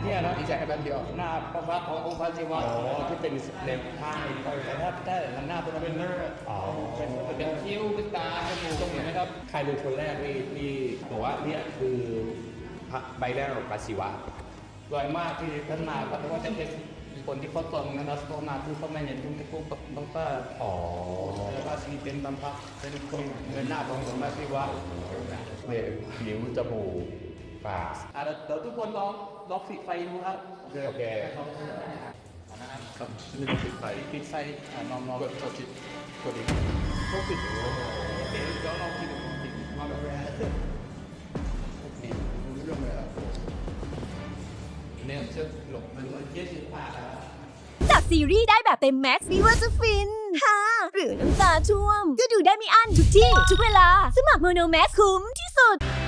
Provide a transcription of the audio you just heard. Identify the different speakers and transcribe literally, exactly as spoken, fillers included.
Speaker 1: เนี่ยนะอีกแค่แบบเดียวหน้าพระพักตร์ขององค์พระศิวะที่เป็นในผ้าแต่ถ้าถ้าหน้าเป็นเป็นเนื้อเป็นเป็นคิ้วเป็นตาเป็นจมูกตรงนี้นะครับใครเป็นคนแรกที่ที่บอกว่าเนี่ยคือพระใบแรกของพระศิวะรวยมากที่ท่านมาเพราะว่าจะเป็นคนที่เขาตรงนะครับเขามาคือเขาไม่เห็นทุกที่พวกต้องก็อ๋อแล้วก็สีเป็นบำพักเป็นคนเงินหน้าของสมบัติศิวะเนี่ยผิวจมูกปากอ่ะเดี๋ยวทุกคนลองลองปิดไฟดูครับโอเคโอเคครับนี่ปิดไฟปิดไฟอ่ะลองลองกดกดจิตกดดิกดปิดเดี๋ยวเดี๋ยวลองปิดปิดมาแบบนี้ปิดรู้เรื่องเลยอ่ะเนี่ยจะหลบมันเยอะสิบห้าแล้ว
Speaker 2: จากซีรีส์ได้แบบเต็มแม็กซ์ไม่ว่าจะฟินฮ่าหรือน้ำตาช่วมก็ดูได้ไม่อั้นทุกที่ ทุกเวลา สมัครโมโนแม็กซ์คุ้มที่สุด